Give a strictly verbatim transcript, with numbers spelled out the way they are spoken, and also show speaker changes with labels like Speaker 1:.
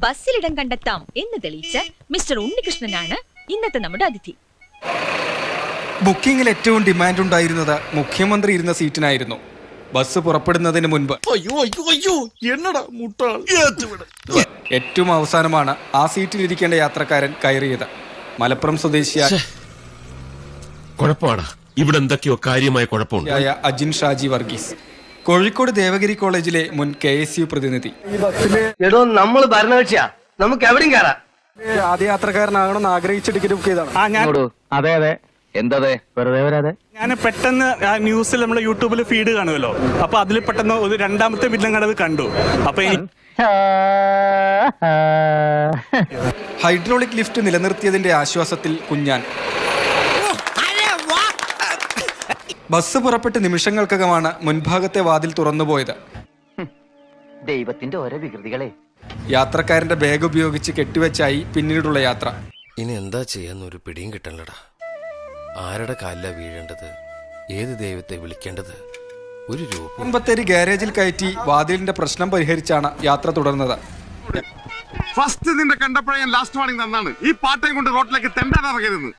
Speaker 1: ബസ്സിലിടം കണ്ടെത്താം എന്ന് തെളിയിച്ച മിസ്റ്റർ ഉണ്ണികൃഷ്ണനാണ് ഇന്നത്തെ നമ്മുടെ അതിഥി.
Speaker 2: ബുക്കിംഗിൽ ഏറ്റവും ഡിമാൻഡ് ഉണ്ടായിരുന്നത് മുഖ്യമന്ത്രി ഇരുന്ന സീറ്റിനായിരുന്നു. ബസ് പുറപ്പെടുന്നതിന് മുൻപ് ഏറ്റവും അവസാനമാണ് ആ സീറ്റിലിരിക്കേണ്ട യാത്രക്കാരൻ കയറിയത്. മലപ്പുറം സ്വദേശിയായ
Speaker 3: ഇവിടെ എന്തൊക്കെയോ കാര്യമായ കുഴപ്പമുണ്ട്.
Speaker 2: അജിൻ ഷാജി വർഗീസ്, കോഴിക്കോട് ദേവഗിരി കോളേജിലെ മുൻ കെ എസ് യു പ്രതിനിധി.
Speaker 4: നമ്മൾ ഭരണകക്ഷിയാ, നമുക്ക് എവിടെയും കയറാം.
Speaker 2: ആദ്യ യാത്രക്കാരനാകണമെന്ന് ആഗ്രഹിച്ച ടിക്കറ്റ് ബുക്ക് ചെയ്താണ്.
Speaker 4: അതെ അതെ, എന്താ വെറുതെ വരാതെ.
Speaker 5: ഞാൻ പെട്ടെന്ന് ന്യൂസിൽ നമ്മുടെ യൂട്യൂബിൽ ഫീഡ് കാണുമല്ലോ, അപ്പൊ അതിൽ പെട്ടെന്ന് ഒരു രണ്ടാമത്തെ ബില്ലും കണ്ടത് കണ്ടു. അപ്പൊ
Speaker 2: ഹൈഡ്രോളിക് ലിഫ്റ്റ് നിലനിർത്തിയതിന്റെ ആശ്വാസത്തിൽ കുഞ്ഞാൻ. ബസ് പുറപ്പെട്ട് നിമിഷങ്ങൾക്കകമാണ് മുൻഭാഗത്തെ വാതിൽ തുറന്നുപോയത്.
Speaker 4: ദൈവത്തിന്റെ ഓരോ വികൃതികളെ.
Speaker 2: യാത്രക്കാരന്റെ ബാഗ് ഉപയോഗിച്ച് കെട്ടിവെച്ചായി പിന്നീടുള്ള യാത്ര.
Speaker 6: ഇനി എന്താ ചെയ്യാന്നൊരു പിടിയും കിട്ടണല്ലടാ. ആരുടെ കാലില വീഴേണ്ടത്, ഏത് ദൈവത്തെ വിളിക്കേണ്ടത്? ഒരു രൂപം
Speaker 2: ബത്തേരി ഗാരേജിൽ കയറ്റി വാതിലിന്റെ പ്രശ്നം പരിഹരിച്ചാണ് യാത്ര തുടർന്നത്.
Speaker 7: ഫസ്റ്റ് നിന്റെ കണ്ടപ്പോഴേ ഞാൻ ലാസ്റ്റ് വാണിംഗ് തന്നാണ്, ഈ പാട്ടയും കൊണ്ട് റോട്ടിലേക്ക് തെണ്ടാൻ ഇറങ്ങരുത്.